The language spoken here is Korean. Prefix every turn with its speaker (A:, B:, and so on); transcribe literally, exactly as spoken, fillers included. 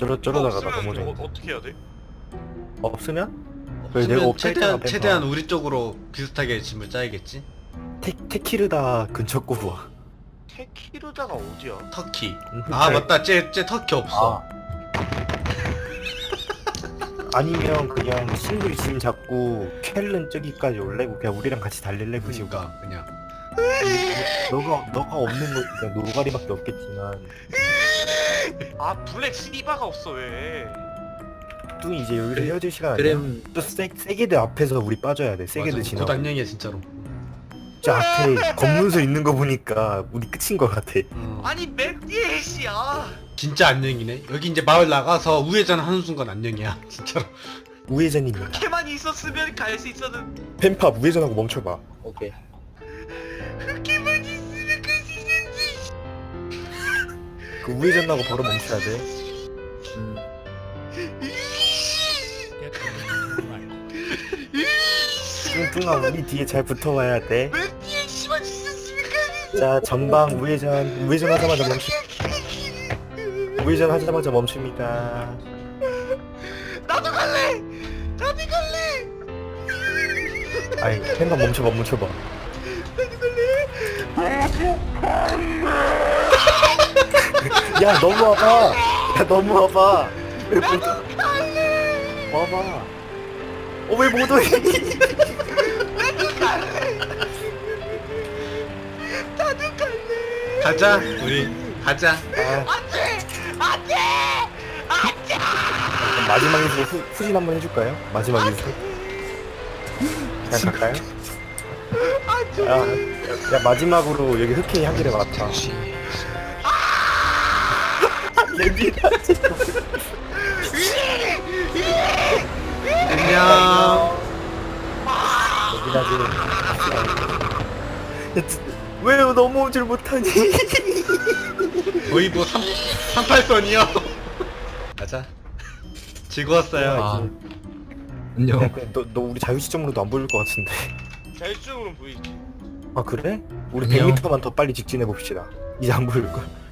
A: 저러,
B: 이거
A: 저러다가 나
B: 없으면
A: 넘어져.
B: 어, 어떻게 해야 돼?
A: 없으면? 그래, 내가
C: 없으면
A: 없앨
C: 최대한
A: 때가
C: 최대한
A: 뺀다.
C: 우리 쪽으로 비슷하게 짐을 짜야겠지.
A: 테, 테키르다 근처 꼬부 와.
B: 테키르다가 어디야?
C: 터키.
A: 음,
C: 아
A: 잘-
C: 맞다, 쟤, 쟤 터키 없어.
A: 아. 아니면 그냥 싱글 짐 잡고 켈른 저기까지 올래고 그냥 우리랑 같이 달릴래 그 식으로.
C: 그러니까 그냥.
A: 너가 너가 없는 거 그냥 노가리밖에 없겠지만
B: 아 블랙 씨바가 없어 왜?
A: 뚱이 이제 여기서
D: 그래,
A: 헤어질 시간 아니야?
D: 그램
A: 또 세, 세게들 앞에서 우리 빠져야 돼. 세게들
C: 맞아,
A: 지나.
C: 곧 안녕이야 진짜로.
A: 저 앞에 검문소 있는 거 보니까 우리 끝인 거 같아.
C: 음.
B: 아니 맵 뒤에 씨야.
C: 진짜 안녕이네. 여기 이제 마을 나가서 우회전 하는 순간 안녕이야 진짜로.
A: 우회전입니다.
B: 걔만 있었으면 갈 수 있었는.
A: 펜팝 우회전하고 멈춰봐.
D: 오케이.
B: 걔만 있으면 갈 수 있었지.
A: 그 우회전하고 바로 멈춰야 돼.
D: 음.
A: 지금 뚱아 우리 뒤에 잘 붙어와야 돼.
B: 맵 뒤에 씨만 있었으면 갈.
A: 자 전방 우회전 우회전하자마자 멈추. 우회전하자마자 멈춥니다.
B: 나도 갈래. 나도 갈래.
A: 아이 펜팝 멈춰봐 멈춰봐. 야 넘어와봐. 야 넘어와봐. 왜 못? 와봐. 어왜 못 와?
B: 나도 갈래.
C: 가자 우리 가자.
A: 아. 그럼 마지막에서 후, 후진 한번 해줄까요? 마지막에서 그냥 갈까요? 야, 야 마지막으로 여기 흑해이 한 개를 맞다. 내비다
C: 안녕.
A: 내비다지. 왜 넘어오질 못하니?
C: 거의 뭐 삼, 삼팔선이요. 가자. 즐거웠어요.
D: 아. 안녕.
A: 야, 그냥 너, 너 우리 자유 시점으로도 안 보일 것 같은데.
B: 자율적으로 보이지.
A: 아 그래? 우리
D: 안녕.
A: 백 미터만 더 빨리 직진해 봅시다. 이제 안 보일 거야.